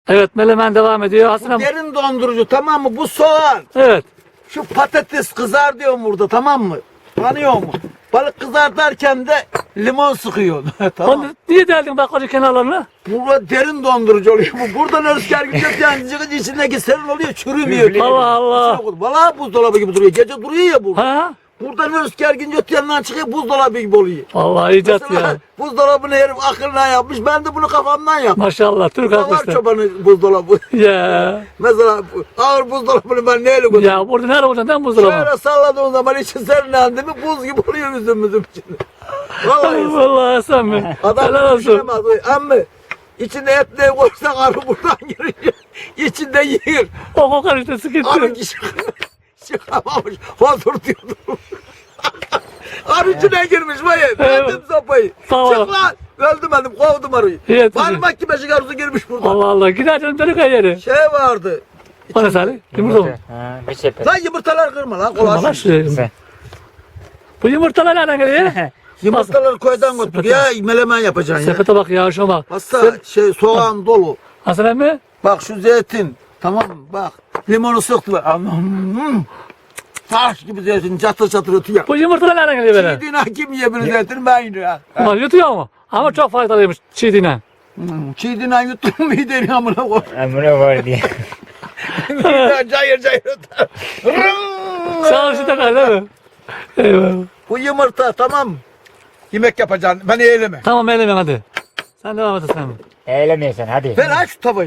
Evet, melemen devam ediyor. Hasan abi. Derin dondurucu, tamam mı? Bu soğan. Evet. Şu patates kızar diyorum burada, tamam mı? Tanıyor mu? Balık kızartarken de limon sıkıyor. Tamam. Onu niye deldin baklacı kenarlarını? Burada derin dondurucu oluyor. Bu buradan rüzgar gidiyor yani içindeki serin oluyor, çürümüyor. Allah Allah. Vallahi buzdolabı gibi duruyor. Gece duruyor ya bu. Ha? Buradan rüzgar gidiyor öte yanından çıkıyor, buzdolabı gibi oluyor. Vallahi icat Mesela ya. buzdolabını herif akılına yapmış. Ben de bunu kafamdan yaptım. Maşallah Türk Bu da var arkadaşlar. çobanın buzdolabı. Ya. Mesela ağır buzdolabını ben neyle götürüyorum? Ya burada nerede olacaksın değil mi buzdolabı? Şöyle salladığın zaman içi serinlendi mi buz gibi oluyor üzümümüzün içinde. Vallahi Vallahi Hasan Bey. adam Helal olsun. düşünemez. Amma içinde et ne koysan arı buradan girince içinde yer. O kokar işte Arı sıkıntı. kişi çıkamamış. Hozur diyordu. Arı içine girmiş vay. Verdim sopayı. Tamam. Çık lan. Öldürmedim, kovdum arıyı. İyi, Parmak gibi beşik arısı girmiş burada. Allah Allah. Gider canım dönük yeri. Şey vardı. O ne Salih? Yumurta mı? Ha, bir sepet. Lan yumurtalar kırma lan. Kırma lan Kolay. şu. Bu yumurtalar nereden geliyor? Yumurtaları koydan götür. Ya melemen yapacaksın ya. Sepete bak ya şuna bak. Hasta şey soğan dolu. Hasan emmi? Bak şu zeytin. Tamam mı? Bak. Limonu sıktı. Hmm. Taş gibi zeytin çatır çatır ötüyor. Bu yumurtalar nereden geliyor böyle? Çiğdiğine kim yiyebilir zeytin ben yiyorum. Ulan yutuyor mu? Ama çok faydalıymış çiğdiğine. Çiğdiğine yuttun mu yedin amına koy. Emre var diye. Cayır cayır öter. Çalıştı da değil mi? Eyvallah. Bu yumurta tamam mı? Yemek yapacaksın. Beni eyleme. Tamam eğlenelim hadi. Sen devam et Hasan emmi. Eğlemiyorsun hadi. Ver aç şu tavayı.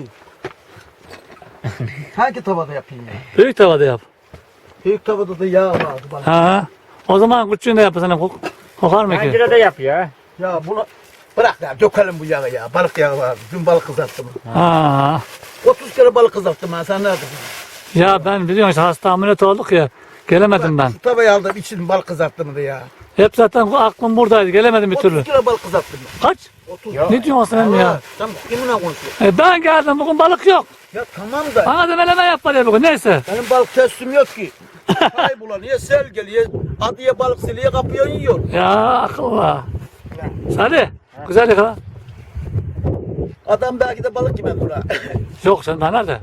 Hangi tavada yapayım ya? Büyük tavada yap. Büyük tavada da yağ vardı bana. Ha. O zaman küçüğünde yap Hasan emmi. Kokar mı ki? Pencerede yapıyor. Ya bunu bırak ya dökelim bu yağı ya. Balık yağı var. Dün balık kızarttım. Ha. 30 kere balık kızarttım ben. Sen nerede? Ya ben biliyorsun işte hasta ameliyat olduk ya. Gelemedim ben. Şu tavayı aldım için balık kızarttım da ya. Hep zaten aklım buradaydı. Gelemedim bir 30 türlü. kere balık kızarttım ben. Kaç? 30. Yok. Ne diyorsun Hasan emmi ya? Sen kiminle konuşuyorsun? Ben geldim bugün balık yok. Ya tamam da Bana da meleme yap bari bugün neyse. benim balık teslim yok ki. Kaybolan ya sel geliyor. Adıya balık siliye kapıyor yiyor. Ya akıllı. Salih. Güzel yakala. Adam belki de balık yemedi ha. Yok sen daha nerede?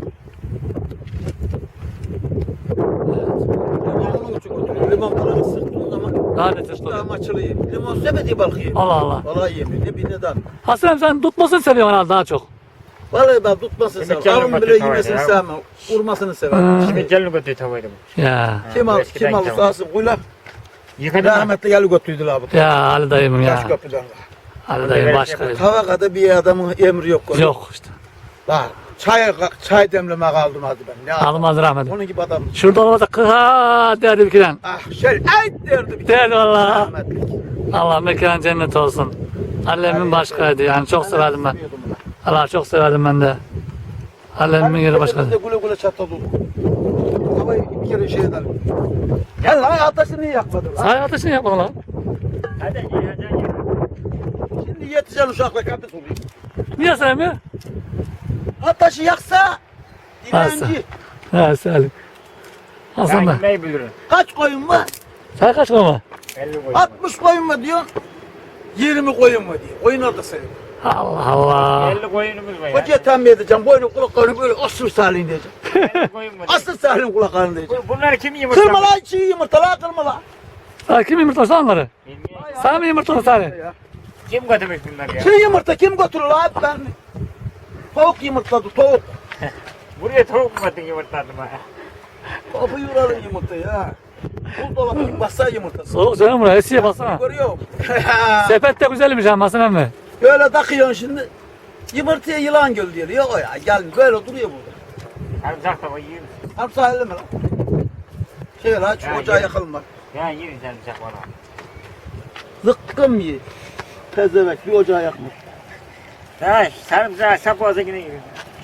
Limonunu uçuk oturuyor. Limon balığı sıktığın zaman Daha ne test daha oluyor? açılıyor. Limon sevmediği balık yiyor. Allah Allah. Vallahi yemiyor. Ne bir neden. Hasan emmi sen tutmasını seviyorsun herhalde daha çok. Vallahi ben tutmasını Şimdi sevmem. canım Alın bile acıtıyor yemesini ya. sevmem. Vurmasını severim. Şimdi gelin götür tavayı da. Ya. Kim Ha, al, eskiden kim al tamam. sahası kuyla. Yıkadın mı? Rahmetli gelip götürdüler abi. Ya Ali dayımım Taş ya. köprüden. Ali dayım başka. Tavakada bir adamın emri yok. Yok işte. Bak çay demleme kaldım hadi ben. Ne Almaz rahmet. Onun gibi adam. Şurada olmasa kıha derdi bir kiden. Ah şey ey derdi bir Derdi valla. rahmetli. Allah mekan cennet olsun. Annemin başkaydı yani çok severdim ben. Allah çok severdim ben de. Annemin yeri başkaydı. Güle güle çatladı. Tavayı bir kere şey edelim. Gel lan ateşini niye yakmadın lan? Say ateşini yapma lan. Hadi yiyeceksin. Şimdi yetişen uşakla kapıs oluyor. Niye sen mi? Ateşi yaksa Varsa. dilenci. He Salim. Hasan Ben ben. yemeği bilirim. Kaç koyun var? Sen kaç mı? 50 koy. 60 koyun mu diyorsun? 20 koyun mu diyor. Koyunlar da sayıyor. Allah Allah. 50 koyunumuz var ya. Hocaya tembih edeceğim. Boynu kulaklarını böyle asır salin diyeceğim. 50 koyun var. Asır salin kulaklarını diyeceğim. Bunları kim yumurtlamış? Kırma lan çiğ yumurta lan kırma lan. Sen kim yumurtlasın onları? Bilmiyorum. Sen mi yumurtladın Salih? Kim götürmüş bunları ya? Çiğ yumurta kim götürür lan ben mi? Tavuk yumurtladı tavuk. Buraya tavuk mu attın yumurtladın ha? Kapı yuralım yumurta ya. Buzdolabı bassa yumurtası. Soğuk canım buraya esiye baksana. Görüyor musun? Sepet de güzelmiş ha Hasan emmi. Böyle takıyorsun şimdi. Yumurtaya yılan göl diyor. Yok o ya gel böyle duruyor burada. Sarımsak tava yiyor musun? Hem sahilde mi lan? Şey lan şu Ya, ocağı yürü. yakalım bak. Ya yiyin sarımsak valla. Zıkkım ye. Tezevek bir ocağı yakmış. Ha sarımsak sap boğaza yine yiyor.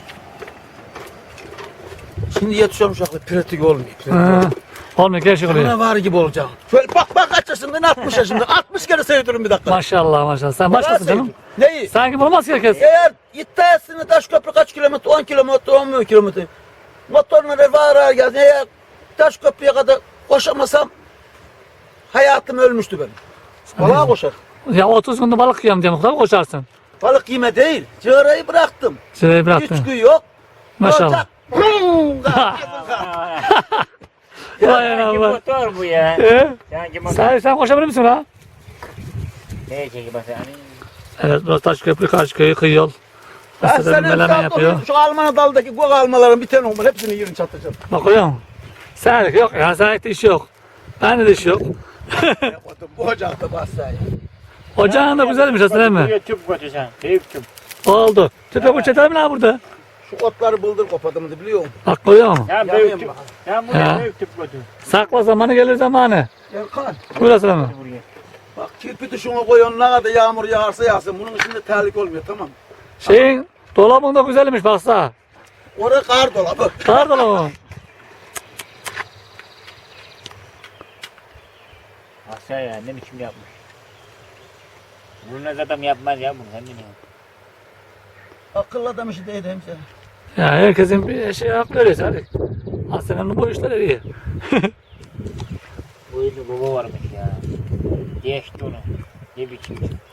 Şimdi yetişiyorum uşakla pratik olmuyor. Ha. Olmuyor gerçek oluyor. Bana var gibi olacağım. Şöyle bak kaç yaşındayım 60 yaşındayım. 60 kere seviyorum bir dakika. Maşallah maşallah. Sen başkasın canım. Neyi? Sen gibi olmaz ki herkes. Eğer iddiasını Taşköprü kaç kilometre? 10 kilometre, 10 kilometre. Motorlara var geldi. Eğer Taşköprü'ye kadar koşamasam hayatım ölmüştü benim. Vallahi koşar. Ya 30 günde balık yiyorum diye mutlaka koşarsın. Balık yeme değil. Cığırayı bıraktım. Şurayı 3 bıraktın. gün yok. Maşallah. Vay Sanki Allah. motor bu ya. Sanki motor. Sen koşabilir misin ha? Ne çekip bak hani. Evet, burası Taşköprü, Karşıköy, kıyı yol. Ben Mesela senin melemen yapıyor. şu Alman daldaki gök almaların bir tane olmalı. Hepsini yerin çatacağım. Bakıyor musun? Senlik yok ya, senlikte iş yok. Bende de iş yok. Bu ocakta basaya. Ocağın da güzelmiş aslında değil mi? Buraya tüp götürsen. Büyük tüp. Oldu. Tüpe bu çeter mi lan burada? Şu otları bıldır kopadım da biliyor musun? Bak koyuyor mu? Sen Yanayım büyük tüp. bak. Sen buraya Ha. büyük tüp götür. Sakla zamanı gelir zamanı. Erkan. Burası mı? Buraya. Bak kirpi dışına koyuyorsun ne kadar yağmur yağarsa yağsın. Bunun içinde terlik olmuyor tamam mı? Şeyin dolabın da güzelmiş baksana. Orada kar dolabı. Kar dolabı. Aşağı ya ne biçim yapmış. Bunu adam yapmaz ya bunu sen biliyorsun. Akıllı adam işi değil hemşire. Ya herkesin bir şey hakkı öyleyse hadi. Aslında bu işler iyi. Bu evde baba varmış ya. Geçti onu. Ne biçim.